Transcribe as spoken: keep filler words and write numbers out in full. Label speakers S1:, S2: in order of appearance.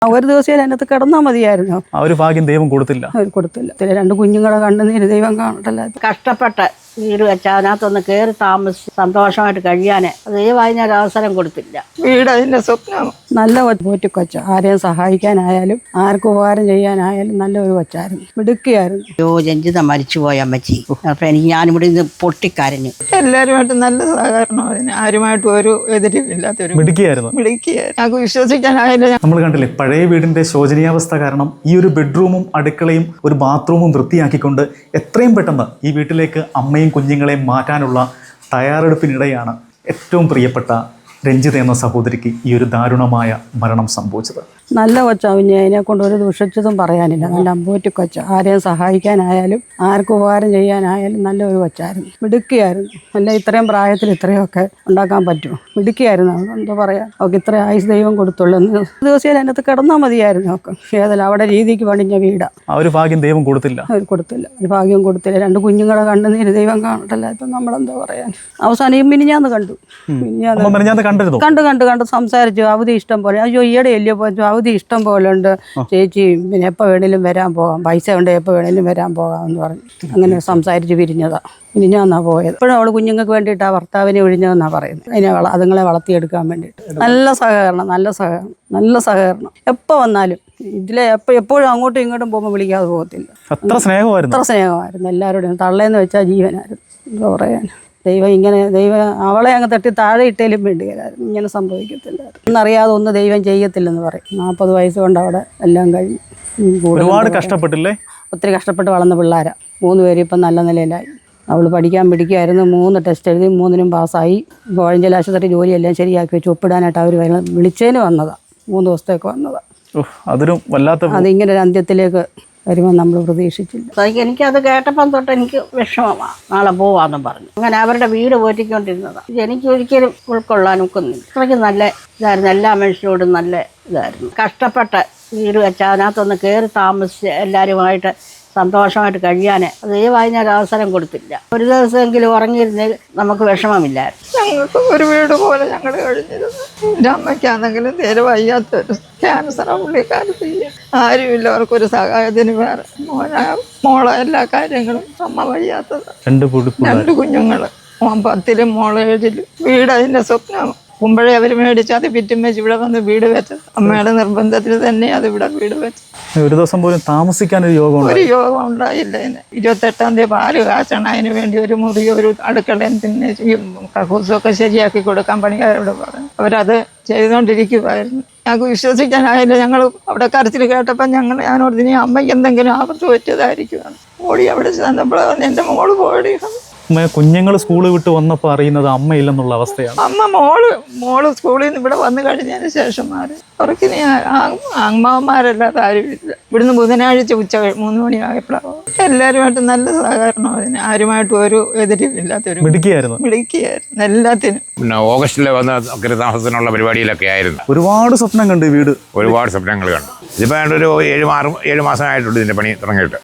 S1: ഒരു ദിവസം അതിനകത്ത് കിടന്നാൽ മതിയായിരുന്നു.
S2: ആ ഒരു ഭാഗ്യം ദൈവം കൊടുത്തില്ല.
S1: അവർ കൊടുത്തില്ല. രണ്ട് കുഞ്ഞുങ്ങളെ കണ്ണുനീര് ദൈവം കാണട്ടല്ല.
S3: കഷ്ടപ്പെട്ട് വീട് വെച്ച് അതിനകത്തൊന്ന് കയറി താമസിച്ച് സന്തോഷമായിട്ട് കഴിയാൻ ദൈവം അതിനൊരു അവസരം കൊടുത്തില്ല.
S4: വീട് അതിൻ്റെ സ്വപ്നം.
S1: നല്ല പോറ്റിക്കൊച്ച, ആരെയും സഹായിക്കാനായാലും ആർക്കും ഉപകാരം ചെയ്യാനായാലും നല്ല ഒരു കൊച്ചായിരുന്നു, മിടുക്കിയായിരുന്നു.
S3: യോ ജഞ്ചിത മരിച്ചുപോയ അമ്മച്ചി. അപ്പം എനിക്ക് ഞാനിവിടെ നിന്ന് പൊട്ടിക്കരഞ്ഞു.
S4: എല്ലാവരുമായിട്ട് നല്ല സഹകരണം, അതിന് ആരുമായിട്ടും ഒരു എതിരില്ലാത്തൊരു
S2: മിടുക്കിയായിരുന്നു.
S4: മിടുക്കിയായിരുന്നു. ഞങ്ങൾക്ക് വിശ്വസിക്കാനായില്ല.
S2: നമ്മൾ കണ്ടില്ലേ, പഴയ വീടിന്റെ ശോചനീയാവസ്ഥ കാരണം ഈ ഒരു ബെഡ്റൂമും അടുക്കളയും ഒരു ബാത്റൂമും വൃത്തിയാക്കിക്കൊണ്ട് എത്രയും പെട്ടെന്ന് ഈ വീട്ടിലേക്ക് അമ്മയും കുഞ്ഞുങ്ങളെയും മാറ്റാനുള്ള തയ്യാറെടുപ്പിനിടെയാണ് ഏറ്റവും പ്രിയപ്പെട്ട രഞ്ജിത എന്ന സഹോദരിക്ക് ഈ ഒരു ദാരുണമായ മരണം സംഭവിച്ചത്.
S1: നല്ല കൊച്ചാവിഞ്ഞ് അതിനെ കൊണ്ട് ഒരു ദുഷിച്ചതും പറയാനില്ല. നല്ല അമ്പോറ്റി കൊച്ച, ആരെയും സഹായിക്കാനായാലും ആർക്കും ഉപകാരം ചെയ്യാനായാലും നല്ല ഒരു കൊച്ചായിരുന്നു, മിടുക്കിയായിരുന്നു. അല്ല ഇത്രയും പ്രായത്തിൽ ഇത്രയൊക്കെ ഉണ്ടാക്കാൻ പറ്റുമോ? മിടുക്കിയായിരുന്നു. എന്താ പറയുക, അവൾക്ക് ഇത്ര ആയുസ് ദൈവം കൊടുത്തുള്ളൂ. ഒരു ദിവസം അതിനകത്ത് കിടന്നാൽ മതിയായിരുന്നു. അവൾക്ക് ഏതല്ല അവിടെ രീതിക്ക് പണിഞ്ഞ വീടാണ്.
S2: ആ ഒരു ഭാഗ്യം ദൈവം കൊടുത്തില്ല.
S1: അവർ കൊടുത്തില്ല, ഒരു ഭാഗ്യം കൊടുത്തില്ല. രണ്ട് കുഞ്ഞുങ്ങളെ കണ്ണുനീര് ദൈവം കാണട്ടല്ല. ഇപ്പം നമ്മളെന്താ പറയാൻ. അവസാനം മിനിഞ്ഞാന്ന് കണ്ടു. മിനിഞ്ഞാന്ന് കണ്ടു കണ്ടു കണ്ട് സംസാരിച്ചു. അവധി ഇഷ്ടം പോലെ. അയ്യോ ഈയിടെ അല്ലയോ പോയി, അവധി ഇഷ്ടം പോലെ ഉണ്ട് ചേച്ചി, പിന്നെ എപ്പോൾ വേണേലും വരാൻ പോകാം, പൈസ ഉണ്ട് എപ്പോൾ വേണേലും വരാൻ പോകാം എന്ന് പറഞ്ഞു. അങ്ങനെ സംസാരിച്ച് പിരിഞ്ഞതാ. മിനിഞ്ഞാന്നാ പോയത്. ഇപ്പോഴും അവൾ കുഞ്ഞുങ്ങൾക്ക് വേണ്ടിയിട്ട് ആ ഭർത്താവിനെ ഒഴിഞ്ഞതെന്നാ പറയുന്നത്. അതിനെ വള അതുങ്ങളെ വളർത്തിയെടുക്കാൻ വേണ്ടിയിട്ട്. നല്ല സഹകരണം, നല്ല സഹകരണം, നല്ല സഹകരണം. എപ്പോൾ വന്നാലും ഇതിലെ എപ്പോൾ എപ്പോഴും അങ്ങോട്ടും ഇങ്ങോട്ടും പോകുമ്പോൾ വിളിക്കാതെ പോകത്തില്ല.
S2: അത്ര സ്നേഹമായിരുന്നു,
S1: അത്ര സ്നേഹമായിരുന്നു എല്ലാവരോടും. തള്ളേന്ന് വെച്ചാൽ ജീവനായിരുന്നു. എന്താ പറയാൻ, ദൈവം ഇങ്ങനെ ദൈവം അവളെ അങ്ങ് തട്ടി താഴെ ഇട്ടേലും വേണ്ടിയായിരുന്നു. ഇങ്ങനെ സംഭവിക്കത്തില്ലായിരുന്നു. ഒന്നറിയാതെ ഒന്ന് ദൈവം ചെയ്യത്തില്ലെന്ന് പറയും. നാൽപ്പത് വയസ്സ് കൊണ്ട് അവിടെ എല്ലാം കഴിഞ്ഞു.
S2: ഒരുപാട് കഷ്ടപ്പെട്ടില്ലേ?
S1: ഒത്തിരി കഷ്ടപ്പെട്ട് വളർന്ന പിള്ളേരാ. മൂന്ന് പേരും ഇപ്പം നല്ല നിലയിലായി. അവൾ പഠിക്കാൻ പിടിക്കുമായിരുന്നു. മൂന്ന് ടെസ്റ്റ് എഴുതി മൂന്നിനും പാസ്സായി. കോഴഞ്ചേരി ആശുപത്രി ജോലിയെല്ലാം ശരിയാക്കി വെച്ച് ഒപ്പിടാനായിട്ട് അവർ വിളിച്ചതിന് വന്നതാണ്. മൂന്ന് ദിവസത്തേക്ക് വന്നതാണ്.
S2: അതൊരു വല്ലാത്ത,
S1: അതിങ്ങനെ ഒരു അന്ത്യത്തിലേക്ക് വരുമ്പോൾ നമ്മൾ പ്രതീക്ഷിച്ചില്ല.
S3: എനിക്കത് കേട്ടപ്പം തൊട്ട് എനിക്ക് വിഷമമാണ്. നാളെ പോവാന്നും പറഞ്ഞു. അങ്ങനെ അവരുടെ വീട് പോറ്റിക്കൊണ്ടിരുന്നതാണ്. ഇത് എനിക്ക് ഒരിക്കലും ഉൾക്കൊള്ളാൻ ഒക്കുന്നില്ല. അത്രയ്ക്ക് നല്ല ഇതായിരുന്നു. എല്ലാ മനുഷ്യരോടും നല്ല ഇതായിരുന്നു. കഷ്ടപ്പെട്ട് വീട് വെച്ച് അതിനകത്തൊന്ന് കയറി താമസിച്ച് എല്ലാവരുമായിട്ട് സന്തോഷമായിട്ട് കഴിയാൻ ദൈവം അതിനൊരു അവസരം കൊടുത്തില്ല. ഒരു ദിവസമെങ്കിലും ഉറങ്ങിയിരുന്നെങ്കിൽ നമുക്ക് വിഷമമില്ലായിരുന്നു.
S4: ഞങ്ങൾക്ക് ഒരു വീട് പോലെ ഞങ്ങൾ കഴിഞ്ഞിരുന്നു. എൻ്റെ അമ്മയ്ക്കാണെങ്കിലും തീരെ വയ്യാത്തൊരു ക്യാൻസറാ പുള്ളിക്കാലത്ത്. ആരുമില്ല അവർക്കൊരു സഹായത്തിന്. വേറെ മോന മോളെ എല്ലാ കാര്യങ്ങളും അമ്മ വയ്യാത്തത്. രണ്ട് കുഞ്ഞുങ്ങൾ, മോൻ പത്തിലും മോളെ ഏഴിലും. വീട് അതിൻ്റെ സ്വപ്നം. മുമ്പഴേ അവർ മേടിച്ച് അത് പിറ്റും വെച്ച് ഇവിടെ വന്ന് വീട് വെച്ചത്. അമ്മയുടെ നിർബന്ധത്തിൽ തന്നെ അത് ഇവിടെ വീട് വെച്ചു.
S2: ഒരു ദിവസം പോലും താമസിക്കാൻ ഒരു യോഗം
S4: ഒരു യോഗം ഉണ്ടായില്ല. അതിന് ഇരുപത്തെട്ടാം തീയതി പാല് കാച്ചണം. അതിന് വേണ്ടി ഒരു മുറി, ഒരു അടുക്കളയും പിന്നെ കക്കൂസൊക്കെ ശരിയാക്കി കൊടുക്കാൻ പണിക്കാരോട് പറഞ്ഞു. അവരത് ചെയ്തുകൊണ്ടിരിക്കുമായിരുന്നു. ഞങ്ങൾക്ക് വിശ്വസിക്കാനായില്ല. ഞങ്ങൾ അവിടെ കരച്ചിൽ കേട്ടപ്പോൾ ഞങ്ങൾ ഞാനോട് ഇനി അമ്മയ്ക്ക് എന്തെങ്കിലും ആപത്ത് പറ്റിയതായിരിക്കുമെന്ന് ഓടി അവിടെ ചെന്നപ്പോഴാണ് എൻ്റെ മോള് പോയി.
S2: കുഞ്ഞുങ്ങൾ സ്കൂൾ വിട്ട് വന്നപ്പോൾ അറിയുന്നത് അമ്മയില്ലെന്നുള്ള അവസ്ഥയാണ്.
S4: അമ്മ മോള് മോള് സ്കൂളിൽ നിന്ന് ഇവിടെ വന്നു കഴിഞ്ഞതിന് ശേഷം മാറി. അവർക്കിനി അമ്മാവന്മാരല്ലാതെ ആരുമില്ല. ഇവിടുന്ന് ബുധനാഴ്ച ഉച്ച മൂന്ന് മണിയായപ്പോഴാണ്. എല്ലാവരുമായിട്ട് നല്ല സഹകരണം, അതിന് ആരുമായിട്ടും ഒരു എതിരില്ലാത്തൊരു
S2: മിടുക്കിയായിരുന്നു.
S4: മിടുക്കിയായിരുന്നു എല്ലാത്തിനും.
S5: പിന്നെ ഓഗസ്റ്റിൽ വന്ന താമസത്തിനുള്ള പരിപാടിയിലൊക്കെ ആയിരുന്നു.
S2: ഒരുപാട് സ്വപ്നം കണ്ട് വീട്,
S5: ഒരുപാട് സ്വപ്നങ്ങൾ കണ്ടു. ഇതിപ്പോൾ ഒരു ഏഴ് മാറും ഏഴ് മാസമായിട്ടുണ്ട് ഇതിൻ്റെ പണി തുടങ്ങിയിട്ട്.